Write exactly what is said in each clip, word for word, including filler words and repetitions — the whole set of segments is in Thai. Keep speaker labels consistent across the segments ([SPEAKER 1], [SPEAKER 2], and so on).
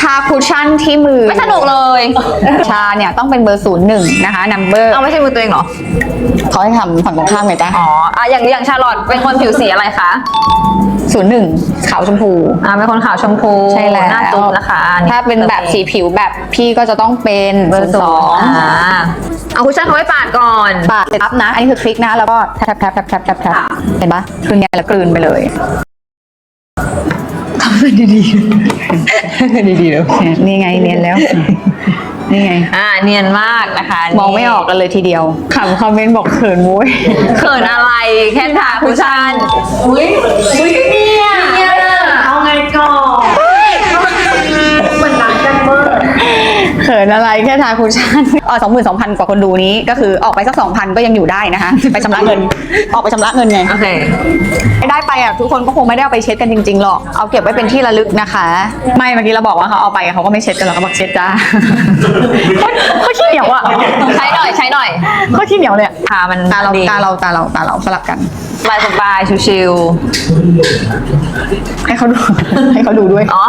[SPEAKER 1] าคุชชั่นที่มือ
[SPEAKER 2] ไม่สนุกเลย
[SPEAKER 1] ชาเนี่ยต้องเป็นเบอร์ศูนย์หนึ่งนะคะนัมเบอร์
[SPEAKER 2] เอาไม่ใช่มือตัวเองเหรอ
[SPEAKER 1] เขาให้ทำฝั่งตรงข้ามไงจ๊ะ
[SPEAKER 2] อ๋ออ่ะอย่างอย่างชาลอตเป็นคนผิวสีอะไรคะ
[SPEAKER 1] ศูนย์หนึ่งขาวชมพู
[SPEAKER 2] อ่าเป็นคนขาวชมพู
[SPEAKER 1] ใช่แล้ว
[SPEAKER 2] หน้าจุ๊บนะคะอั
[SPEAKER 1] ถ้าเป็นแบบสีผิวแบบพี่ก็จะต้องเป็นเบอร์สอง
[SPEAKER 2] อ่าเอาคุชชั่นเขาไว้ปาดก่อน
[SPEAKER 1] ปาดเสร็จปั๊บนะ อันนี้คือคลิกนะ แล้วก็แทบแทบแทบแทบแทบแทบเห็นปะคือไงแล้วกลืนไปเลยทำมันดีๆดีๆแล้วนี่ไงเนียนแล้ว นี่ไง
[SPEAKER 2] อ่าเนียนมากนะคะ
[SPEAKER 1] มองไม่ออกกันเลยทีเดียวขำคอมเมนต์บอกเขินมุ้ย
[SPEAKER 2] เขินอะไรแค่ทาคุชชั่นอุ้ยอุ้ยเนี่ยเอาไงก่อนเหมือนรักกันเวอร์
[SPEAKER 1] เขินอะไรแค่ทาคุชชั่นอ๋อสองหมื่นสองพันกว่าคนดูนี้ก็คือออกไปสักสองพันก็ยังอยู่ได้นะคะ ไปชำระเงิน ออกไปชำระเงินไง
[SPEAKER 2] โอเค
[SPEAKER 1] ได้ไปอ่ะทุกคนก็คงไม่ได้เอาไปเช็ดกันจริงๆหรอกเอาเก็บไว้เป็นที่ระลึกนะคะ ไม่เมื่อกี้เราบอกว่าเขาเอาไปเขาก็ไม่เช็ดกันหรอกเขาบอกเช็ดจ้า เขาขี้เหนียวอ่ะ
[SPEAKER 2] ใช้หน่อยใช้หน่อย
[SPEAKER 1] เขาขี้เหนียวเลยอะ
[SPEAKER 2] ทามัน
[SPEAKER 1] ตาเรา
[SPEAKER 2] ดี
[SPEAKER 1] ตาเราตาเราตาเราสลับกัน
[SPEAKER 2] สบายสบายชิว
[SPEAKER 1] ให้เขาดู ให้เขาดูด้วย
[SPEAKER 2] ๆอ๋อ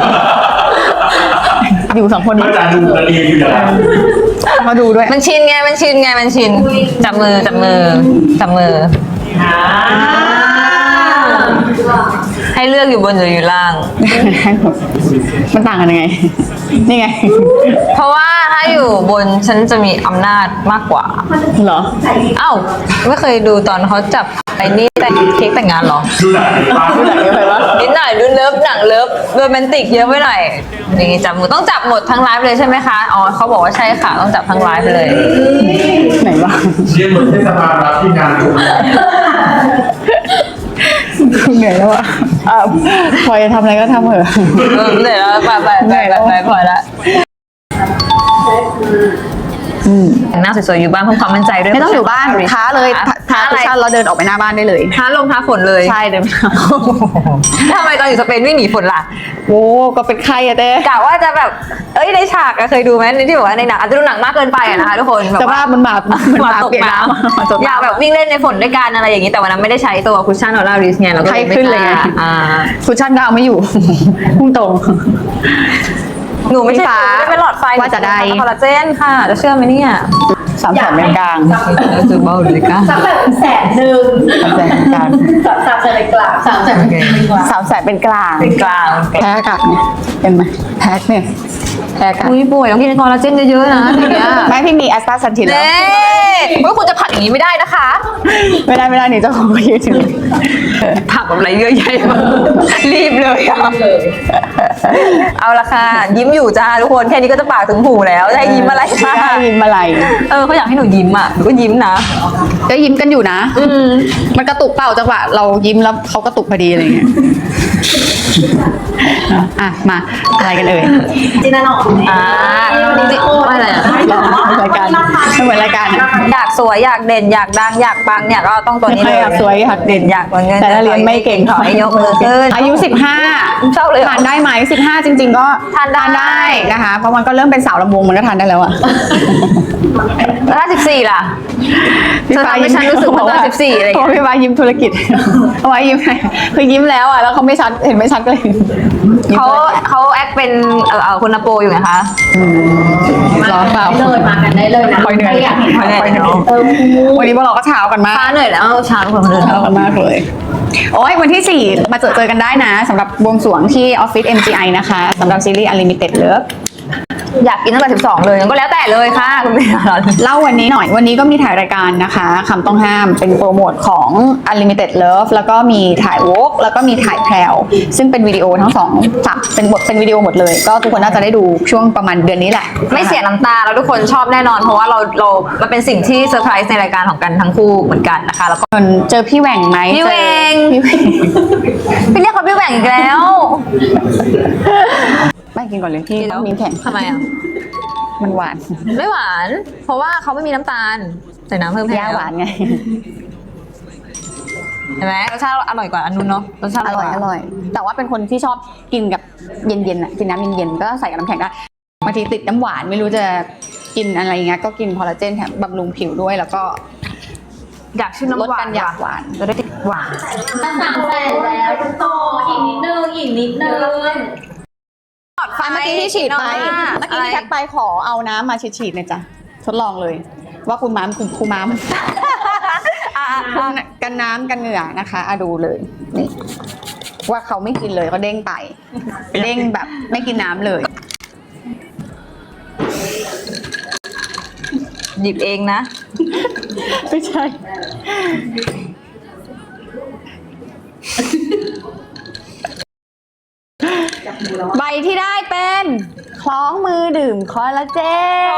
[SPEAKER 1] อยู่สองคนนี้
[SPEAKER 3] อาจารย์ดูประเด็นอยู่อย่าง
[SPEAKER 1] ให้เขาดูด้วย
[SPEAKER 2] มันชินไงมันชินไงมันชินจับมือจับมือจับมือให้เลือกอยู่บนหรืออยู่ล่าง
[SPEAKER 1] มันต่างกันยังไง นี่ไง
[SPEAKER 2] เพราะว่าถ้าอยู่บนฉันจะมีอำนาจมากกว่า
[SPEAKER 1] เหรอ
[SPEAKER 2] เอ้าไม่เคยดูตอนเขาจับไอ้นี่แต่เค้กแต่งงานเหรอ
[SPEAKER 3] ดูหนังป้า
[SPEAKER 1] ดูหนังเยอะไปปะ
[SPEAKER 2] นิดหน่อยดูเลิฟหนังเลิฟโรแมนติกเยอะไปหน่อยนี่จับมือต้องจับหมดทั้งไลฟ์เลยใช่ไหมคะอ๋อเขาบอกว่าใช่ค่ะต้องจับทั้งไลฟ์เลย
[SPEAKER 1] ไหนวะ
[SPEAKER 3] เรียนเหมือนเทศบาลรับที่งานอยู่
[SPEAKER 1] เหนื่อยแล้วอ่ะอ่ะพอจะทำอะไรก็ทำเถอะ
[SPEAKER 2] เออเหนื่อยแล้วไปไปไปไปไปพอแล้วแต่งหน้าสวยๆอยู่บ้านเพิ่มความมั่นใจด้วย
[SPEAKER 1] ไม่ต้องอยู่บ้านท้าเลยท้า
[SPEAKER 2] ท้า
[SPEAKER 1] คุ
[SPEAKER 2] อะไร
[SPEAKER 1] ชชั่นเราเดินออกไปหน้าบ้านได้เลย
[SPEAKER 2] ท้าลงท้าฝนเลย
[SPEAKER 1] ใช่เดิน
[SPEAKER 2] ทำไมตอนอยู่สเปนวิ่งหนีฝนล่ะ
[SPEAKER 1] โอ้ก็เป็นไข้อะเต้
[SPEAKER 2] กะว่าจะแบบเอ้ยในฉากอะเคยดูไหมในที่บอกว่าในหนังอาจจะดูหนังมากเกินไปอะนะคะทุกคนแบบ
[SPEAKER 1] ส
[SPEAKER 2] ว่า
[SPEAKER 1] ภาพมันมามัน
[SPEAKER 2] มา
[SPEAKER 1] มา
[SPEAKER 2] ตก
[SPEAKER 1] เปียก
[SPEAKER 2] น้
[SPEAKER 1] น้ำมาตก
[SPEAKER 2] ำอยาก
[SPEAKER 1] น้ำ
[SPEAKER 2] แบบวิ่งเล่นในฝนด้วยกันอะไรอย่างนี้แต่วันนั้นไม่ได้ใช้ตัวคุชชั่นออร่าริสไงเราก็เลย
[SPEAKER 1] ไข้ขึ้นเลยไง
[SPEAKER 2] ม่กาอ่า
[SPEAKER 1] คุชชั่นก็เอาไม่อยู่ พุ่งตรง
[SPEAKER 2] หนูไม่ใช่
[SPEAKER 1] พี่ฟ้า
[SPEAKER 2] ไม่เป็นหลอดไฟ
[SPEAKER 1] ว่าจะได้
[SPEAKER 2] คอลลาเจนค่ะจะเชื่อไหมเนี่ย
[SPEAKER 1] สามแสนเป็นกลาง
[SPEAKER 2] จะเบาเลยก้า
[SPEAKER 4] สักแบบแสนหนึ่ง
[SPEAKER 1] สามแสนเป็นกลาง
[SPEAKER 4] สามสามแสนเป็นกลางสามแสนเป็นกลาง
[SPEAKER 1] สามแสนเป็นกลาง
[SPEAKER 2] เป็นกลาง
[SPEAKER 1] แพ้อากาศเนี่ยเป็นไหมแพ้เนี่ยแพ้อากาศ
[SPEAKER 2] อุ้ยป่วยต้องกินคอลลาเจนเยอะๆนะทีเนี้ย
[SPEAKER 1] ไม่พี่มีแอสตาซันทินแล้ว
[SPEAKER 2] เน่ว่าคุณจะผัดอย่างนี้ไม่ได้นะคะ
[SPEAKER 1] ไม่ได้ไม่ได้นี่เจ้าของก็ยืนถึง
[SPEAKER 2] ผักแบบไรเยอะแยะมากรีบเลยอะเอาละค่ะ ยิ้มอยู่จ้าทุกคนแค่นี้ก็จะปากถึงหูแล้วจะให้ยิ้มอะไร
[SPEAKER 1] ไม่
[SPEAKER 2] คะ
[SPEAKER 1] ได้ยิ้มอะไร
[SPEAKER 2] เออเขาอยากให้หนูยิ้มอ่ะหนูก็ยิ้มนะ
[SPEAKER 1] ก็ยิ้มกันอยู่นะ
[SPEAKER 2] อืม
[SPEAKER 1] มันกระตุกเปล่าจังหวะเรายิ้มแล้วเขากระตุกพอดีอะไรเงี้ยอ่ะมาอะไรกันเอ่ย
[SPEAKER 4] จินตนาออกไหม
[SPEAKER 2] อ่าจริงๆว่าอะไรอะ
[SPEAKER 1] รายการไม่เหมือนรายการอะ
[SPEAKER 2] อยากสวยอยากเด่นอยากดังอยากปังเนี่ยก็ต้องตัวนี้เลย
[SPEAKER 1] อยากสวยอยากเด่น
[SPEAKER 2] อยากเงิน
[SPEAKER 1] แต่ถ้าเรียนไม่เก่ง
[SPEAKER 2] ขอให้ยกมือขึ้น
[SPEAKER 1] อายุสิบห้า
[SPEAKER 2] เศร้าเลยเหรอ
[SPEAKER 1] ทานได้ไหมสิบห้าจริง ๆ ก็
[SPEAKER 2] ทานได้
[SPEAKER 1] นะคะ เพราะมันก็เริ่มเป็นสาวลำวงมันก็ทานได้แล้วอะ
[SPEAKER 2] แล้วถ้าสิบสี่ล่ะ จะทำให้ฉันรู้สึกเหมือนตอนสิบสี่อะไรอย่างเงี้ย
[SPEAKER 1] เพราะพี่ฟ้ายิ้มธุรกิจ เอาไว้ยิ้มคือยิ้มแล้วอะแล้วเขาไม่ชัดเห็นไม่ชัดก็เลยยิ้ม
[SPEAKER 2] เขา
[SPEAKER 1] ธุรกิจ
[SPEAKER 2] เขาแอคเป็นเออเออคุณนโปอยู่ไงคะ
[SPEAKER 1] ร้อนเปล่า
[SPEAKER 4] เลยมากันได้เลยนะ
[SPEAKER 1] คอยเหนื่อย
[SPEAKER 4] อยากเห็น
[SPEAKER 1] คอยเหนื่อย
[SPEAKER 4] เออ
[SPEAKER 1] วันนี้พวกเราก็เช้ากันมาก
[SPEAKER 2] ฟ้าเหนื่อยแล้วเช้าทุกคนมาเดิน
[SPEAKER 1] เช้ากันมากเลย โอ้ยวันที่สี่มาเจอเจอกันได้นะสำหรับบวงสรวงที่ออฟฟิศ เอ็ม จี ไอ นะคะสำหรับซีรีส์ Unlimited Love
[SPEAKER 2] อยากกินตั้งแต่สิบสองเลยก็แล้วแต่เลยค่ะคุณพี่
[SPEAKER 1] เล่าวันนี้หน่อยวันนี้ก็มีถ่ายรายการนะคะคำต้องห้ามเป็นโปรโมทของ Unlimited Love แล้วก็มีถ่ายวอล์กแล้วก็มีถ่ายแพรวซึ่งเป็นวิดีโอทั้งสองฝักเป็นบทเป็นวิดีโอหมดเลย ก็ทุกคนน่าจะได้ดูช่วงประมาณเดือนนี้แหละ
[SPEAKER 2] ไม่เสียน้ำตาแล้วทุกคนชอบแน่นอนเพราะว่าเราเรามันเป็นสิ่งที่เซอร์ไพรส์ในรายการของกันทั้งคู่เหมือนกันนะคะแล้วก็
[SPEAKER 1] เจอพี่แหว่งไหม
[SPEAKER 2] พี่แหว่ง
[SPEAKER 1] เจอพี่แหว่ง
[SPEAKER 2] พี่เรียกเขาพี่แหว่งอีกแล้ว
[SPEAKER 1] ไม่กินก่อนเลยพี่ต้องมีแข็ง
[SPEAKER 2] ทำไมอ่ะ
[SPEAKER 1] มันหวาน
[SPEAKER 2] ไม่หวาน เพราะว่าเขาไม่มีน้ำตาลใส่น้ำเพิ่มให้
[SPEAKER 1] ย่าหวานไง
[SPEAKER 2] เห็นไหมรสชาติอร่อยกว่าอันนู้นเนาะรสชาติ
[SPEAKER 1] อร่อยอร่อย แต่ว่าเป็นคนที่ชอบกินกับเย็นๆอ่ะกินน้ำเย็นๆก็ใส่กับน้ำแข็งได้บางทีติดน้ำหวานไม่รู้จะกินอะไรเงี้ยก็กินคอลลาเจนแถมบำรุงผิวด้วยแล้วก็
[SPEAKER 2] อยากชื่นน้ำ
[SPEAKER 1] ลด
[SPEAKER 2] หวา
[SPEAKER 1] กัน นอยากหวาน
[SPEAKER 2] จะได้ติดหวาน
[SPEAKER 4] สามแสนแล้วทุกคนอีกนิดนึงอีกนิดนึง
[SPEAKER 1] ไฟเมื่อกี้ที่ฉีดไปเมื่อกี้ที่แท็กไปขอเอาน้ำมาฉีดๆหน่อยจ้ะทดลองเลย ว่าคุณม้ามคุณครูม้ามกันน้ำกันเหงื่อนะคะอะดูเลยนี่ว่าเขาไม่กินเลยเขาเด้งไปเด้งแบบไม่กินน้ำเลย
[SPEAKER 2] หยิบเองนะ
[SPEAKER 1] ไม่ใช่ ใบที่ได้เป็นคล้องมือดื่มคอลลาเจน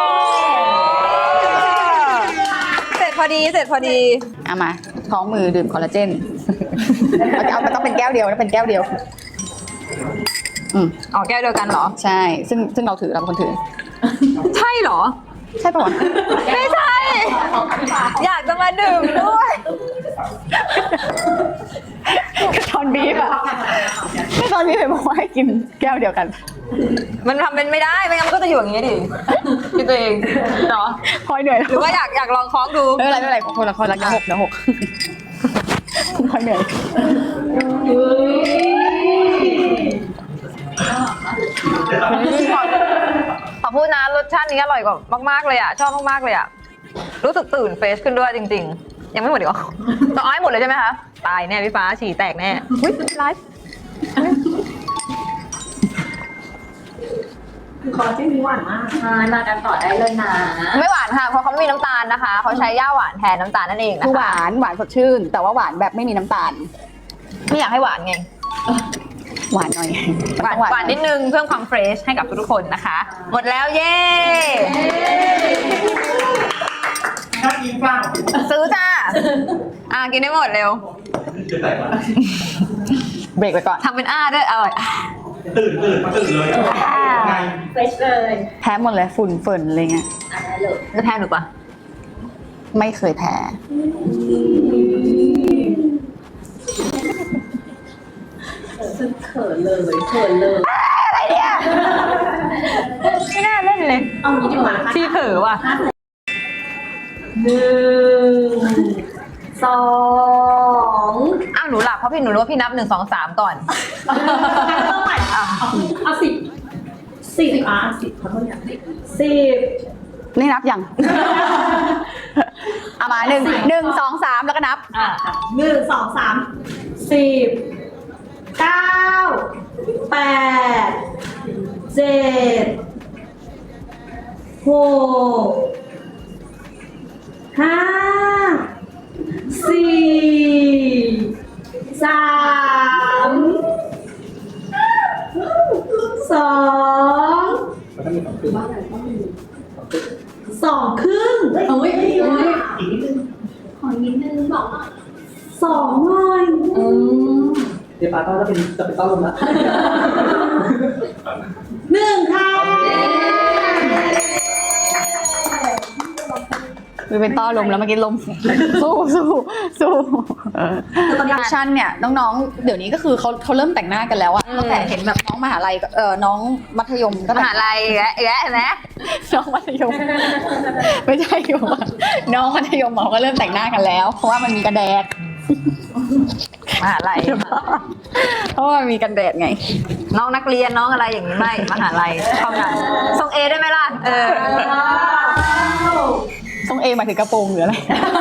[SPEAKER 2] เสร็จพอดีเสร็จพอดี
[SPEAKER 1] เอามาคล้องมือดื่มคอลลาเจนเอาเอามันต้องเป็นแก้วเดียวนะเป็นแก้วเดียว อืม
[SPEAKER 2] อ๋อแก้วเดียวกันเหรอ
[SPEAKER 1] ใช่ ซึ่งซึ่งเราถือเราเป็นคนถือ
[SPEAKER 2] ใช่เหรอ
[SPEAKER 1] ใช่ปะวะ
[SPEAKER 2] ไม่ใช่ อยากจะมาดื่มด้วย
[SPEAKER 1] ตอนบีบอะก็ตอนบีบบอกว่าให้กินแก้วเดียวกัน
[SPEAKER 2] มันทำเป็นไม่ได้ไม่งั้นมันก็จะอยู่อย่างนี้ดิคิดตัวเองเนาะ
[SPEAKER 1] คอยเหนื่อย
[SPEAKER 2] หรือว่าอยากอยากลองคล้องดู
[SPEAKER 1] ไม่เป็นไรไม่เป็นไรคนละคนละเดี๋ยวหกเดี๋ยวหกคอยเหนื่อย
[SPEAKER 2] ขอพูดนะรสชาตินี้อร่อยกว่ามากๆเลยอ่ะชอบมากๆเลยอ่ะรู้สึกตื่นเฟรชขึ้นด้วยจริงๆ ยังไม่หมดอีกเหรอต้องเอาให้หมดเลยใช่ไหมคะตายแน่พี่ฟ้าฉี่แตกแน่อุ้ยไลฟ์
[SPEAKER 4] คอลลาเจนนี้หวานมากใช่มากันต่อได้เลยนะ
[SPEAKER 2] ไม่หวานค่ะเพราะเขาไม่มีน้ำตาลนะคะเขาใช้ย่าหวานแทนน้ำตาลนั่นเองนะ
[SPEAKER 1] คือห
[SPEAKER 2] คะ
[SPEAKER 1] วานหวานสดชื่น แต่ว่าหวานแบบไม่มีน้ำตาล
[SPEAKER 2] ไม่อยากให้หวานไง
[SPEAKER 1] หวานหน่อย
[SPEAKER 2] หวานหวานนิดนึงเพิ่มความเฟรชให้กับทุกๆคนนะคะ หมดแล้วเย้
[SPEAKER 3] ถ้ากินฟัง
[SPEAKER 2] ซื้อจ้าอ่ะกินได้หมดเร็ว
[SPEAKER 3] จะแตกละ
[SPEAKER 1] เบรกไปก่อน
[SPEAKER 2] ทำเป็นอ้าด้วยอร่อยอ่ะ
[SPEAKER 3] ตื่นตื่นตื่นเลยไง
[SPEAKER 4] เฟรชเลย
[SPEAKER 1] แพ้หมดเลยฝุ่นเฟินอะไรเงี้ย
[SPEAKER 4] อ่ะได้เลย
[SPEAKER 2] จะแพ้หนูปะ
[SPEAKER 1] ไม่เคยแพ้
[SPEAKER 4] เขินเลยเขินเลย
[SPEAKER 2] ไม่น่าเล่นเลย
[SPEAKER 4] เอางี้ดีกว่า
[SPEAKER 2] ที่เผลอว่ะ
[SPEAKER 4] หนึ่งสอง
[SPEAKER 2] อ้าวหนูหลับเพราะพี่หนูรู้ว่าพี่นับหนึ่งสองสามก่อน
[SPEAKER 4] ต้องใหม่เอาเอาสิบสิบอ่ะสิบขอโทษอย่างสิบสิบ
[SPEAKER 1] นี่นับยัง เอามาหนึ่งหนึ่งสองสามแล้วก็นับ
[SPEAKER 4] อ่ะหนึ่งสองสามสิบเก้าแปดเจ็ดหกห้าสี่สามสองสองครึ่งเอ้ยเอ้ยขอนิดนึงบอกสองหน่อย
[SPEAKER 5] เดี๋ยวป้าก็จะเป็นจะเป็นต้อนลมละ
[SPEAKER 4] หนึ่งค่ะ
[SPEAKER 1] มีเป็นต้อลมแล้วเมื่อกี้ลม สู้สู้สู้เออแฟชั่นเนี่ยน้องๆ เดี๋ยวนี้ก็คือเขาเขาเริ่มแต่งหน้ากันแล้วอะตั้งแต่เห็นแบบน้องมหาลัยก็เออน้องมัธยมก็
[SPEAKER 2] ม
[SPEAKER 1] แต่ง
[SPEAKER 2] หาลัยแยะแยะนะ
[SPEAKER 1] น้องมัธยม ไม่ใช่อยู่ว่าน้องมัธยมเขาก็เริ่มแต่งหน้ากันแล้ว เพราะว่ามันมีกันแดด
[SPEAKER 2] มหาลัย
[SPEAKER 1] เพราะว่ามันมีกันแดดไง
[SPEAKER 2] น้องนักเรียนน้องอะไรอย่างนี้ไม่มหาลัยเท่านั้นส่งเอได้ไหมล่ะเออ
[SPEAKER 1] ต้องเอหมายถึงกระโปรงหรืออะไร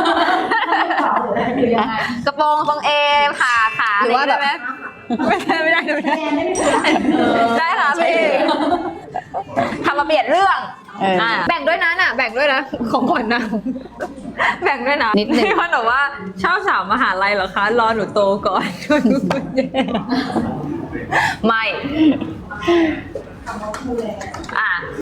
[SPEAKER 2] กระโปรงทรงเอขาขา
[SPEAKER 1] หรือว่าแบบ
[SPEAKER 2] ะไรไม่ได้ไม่ได้ไม่ได้ได้ค่ะพี่ทำมาเปลี่ยนเรื่อง
[SPEAKER 1] เอออ่
[SPEAKER 2] ะแบ่งด้วยนะน่ะแบ่งด้วยนะของขวัญนะแบ่งด้วยนะ
[SPEAKER 1] นิดนึง
[SPEAKER 2] พี่คนบอกว่าชอบสาวมหาลัยเหรอคะรอหนูโตก่อน ไม่อ่ะ